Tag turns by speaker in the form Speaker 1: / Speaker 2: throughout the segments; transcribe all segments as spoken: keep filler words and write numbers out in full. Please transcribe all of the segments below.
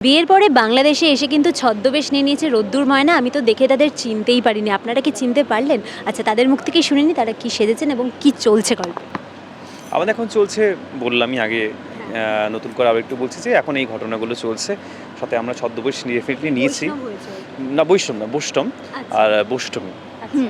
Speaker 1: বিয়ের পরে বাংলাদেশে এসে কিন্তু ছদ্মবেশ নিয়ে নিয়েছে রোদ্দুর ময়না। আমি তো দেখে তাদের চিনতেই পারিনি। আপনারা কি চিনতে পারলেন? আচ্ছা, তাদের মুখ থেকেই শুনে নিই তারা কি সেজেছেন এবং কি চলছে গল্পে।
Speaker 2: আমাদের এখন চলছে, বললামই আগে, আহ, নতুন করে আবার একটু বলছি যে এখন এই ঘটনাগুলো চলছে। সাথে আমরা ছদ্মবেশ ডেফিনেটলি নিয়েছি।
Speaker 1: বৈষ্ণব হয়েছে।
Speaker 2: না, বৈষ্ণব না, বৈষ্টম।
Speaker 1: আচ্ছা।
Speaker 2: আর বৈষ্টমী।
Speaker 1: আচ্ছা।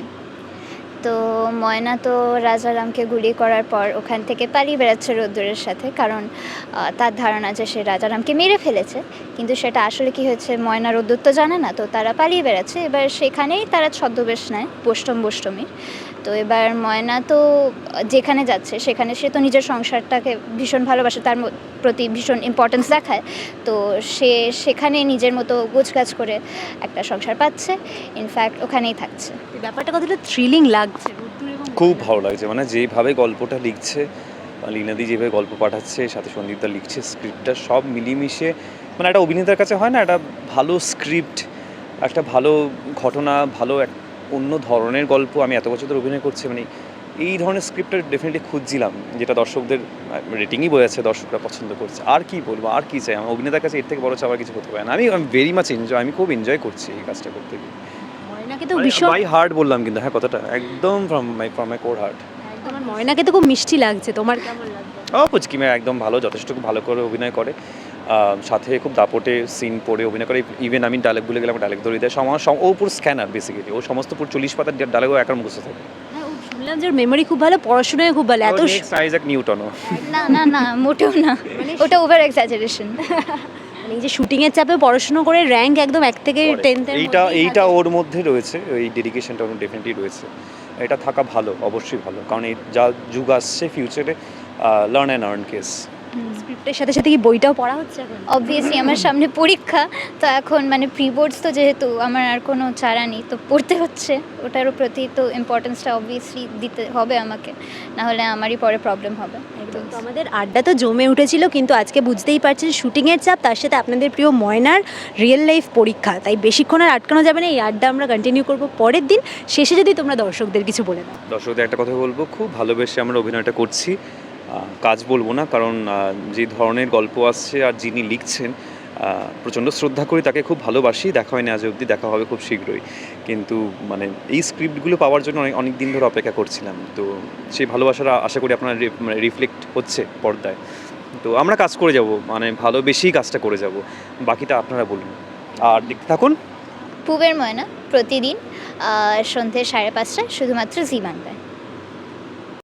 Speaker 3: তো ময়না তো রাজারামকে গুলি করার পর ওখান থেকে পালিয়ে বেড়াচ্ছে রোদ্দুরের সাথে, কারণ আহ, তার ধারণা যে সে রাজারামকে মেরে ফেলেছে, কিন্তু সেটা আসলে কি হয়েছে ময়না রোদ্দুর তো জানে না, তো তারা পালিয়ে বেড়াচ্ছে। এবার সেখানেই তারা ছদ্মবেশ নেয় বৈষ্টম বৈষ্টমীর। তো এবার ময়না তো যেখানে যাচ্ছে সেখানে সে তো নিজের সংসারটাকে ভীষণ ভালোবাসে, তার ম- প্রতি ভীষণ ইম্পর্টেন্স দেখায়। তো সে সেখানে নিজের মতো গোছগাছ করে একটা সংসার পাচ্ছে, ইনফ্যাক্ট ওখানেই থাকছে।
Speaker 1: এই ব্যাপারটা কতটা থ্রিলিং লাগছে রোদ্দুর এবং
Speaker 2: খুব
Speaker 1: ময়না।
Speaker 2: ভালো লাগছে, মানে যেভাবে গল্পটা লিখছে, লীনাদি যেভাবে গল্প পাঠাচ্ছে, সাথে সন্দীপদা লিখছে, স্ক্রিপ্টটা সব মিলিয়ে মানে একটা অভিনেতার কাছে হয় না, একটা ভালো স্ক্রিপ্ট, একটা ভালো ঘটনা, ভালো এক অন্য ধরনের গল্প। আমি এত বছর ধরে অভিনয় করছি, মানে এই ধরনের স্ক্রিপ্টটা ডেফিনেটলি খুঁজছিলাম, যেটা দর্শকদের রেটিংই বোঝাচ্ছে, দর্শকরা পছন্দ করছে। আর কি বলবো, আর কি চাই, আমার অভিনেতার কাছে এর থেকে বড় চাওয়ার কিছু হতে পারে না। আমি ভেরি মাচ এনজয়, আমি খুব এনজয় করছি এই কাজটা করতে গিয়ে।
Speaker 1: ময়নাকে তো ভীষণ
Speaker 2: বাই হার্ট বললাম কিন্তু, হ্যাঁ, কথাটা একদম from my from my core heart.
Speaker 1: একদম। আর ময়নাকে তো খুব মিষ্টি লাগছে। তোমার কেমন লাগছে?
Speaker 2: ও পুচকি মেয়ে, একদম ভালো, যথেষ্ট খুব ভালো করে অভিনয় করে। আহ, সাথে খুব দাপটে সিন পড়ে অভিনয় করে। ইভেন আমি ডায়লগ ভুলে গেলাম, ডায়লগ ধরে দেয়। সমাজ ও পুরো স্ক্যানার বেসিক্যালি, ও সমস্ত পুরো চল্লিশ পাতার ডায়লগও একার মুখস্থ থাকে।
Speaker 1: হ্যাঁ, ও শুনলাম যে ওর মেমোরি খুব ভালো, পড়াশোনায় খুব ভালো। এত স-
Speaker 2: আইজ্যাক নিউটনও।
Speaker 3: না না না, মোটেও না, ওটা ওভার এক্সাজারেশন।
Speaker 1: মানে এই যে শুটিংয়ের চাপে পড়াশোনা করে র্যাঙ্ক একদম এক থেকে টেন্থের
Speaker 2: এইটা এইটা ওর মধ্যে রয়েছে, ওই ডেডিকেশনটা ওর ডেফিনেটলি রয়েছে। এটা থাকা ভালো, অবশ্যই ভালো, কারণ এই যা যুগ আসছে ফিউচারে, লার্ন অ্যান্ড আর্ন কেস।
Speaker 1: স্ক্রিপ্টের সাথে সাথে কি বইটাও পড়া হচ্ছে এখন?
Speaker 3: অবভিয়াসলি আমার সামনে পরীক্ষা, তো এখন মানে প্রি বোর্ডস, তো যেহেতু আমার আর কোনো চারা নেই, তো পড়তে হচ্ছে। ওটারও প্রতি তো ইম্পর্টেন্সটা অবভিয়াসলি দিতে হবে আমাকে, না হলে আমারই পরে প্রবলেম হবে।
Speaker 1: একদম। তো আমাদের আড্ডা তো জমে উঠেছিল, কিন্তু আজকে বুঝতেই পারছেন শুটিংয়ের চাপ, তার সাথে আপনাদের প্রিয় ময়নার রিয়েল লাইফ পরীক্ষা, তাই বেশিক্ষণ আর আটকানো যাবে না। এই আড্ডা আমরা কন্টিনিউ করব পরের দিন। শেষে যদি তোমরা দর্শকদের কিছু বলে দাও।
Speaker 2: দর্শকদের একটা কথা বলবো, খুব ভালোবেসে আমরা অভিনয়টা করছি। আহ, কাজ বলবো না, কারণ আহ, যে ধরনের গল্প আসছে আর যিনি লিখছেন, আহ, প্রচণ্ড শ্রদ্ধা করি, তাকে খুব ভালোবাসি। দেখা হয়নি আজ অবধি, দেখা হবে খুব শীঘ্রই। কিন্তু মানে এই স্ক্রিপ্টগুলো পাওয়ার জন্য অনেক অনেক দিন ধরে অপেক্ষা করছিলাম। তো সেই ভালোবাসাটা আশা করি আপনার মানে রিফ্লেক্ট হচ্ছে পর্দায়। তো আমরা কাজ করে যাব, মানে ভালোবেসেই কাজটা করে যাব। বাকিটা আপনারা বলুন, আর দেখতে থাকুন।
Speaker 3: পুবের ময়না প্রতিদিন আহ, সন্ধ্যে সাড়ে পাঁচটায় শুধুমাত্র জি বাংলায়।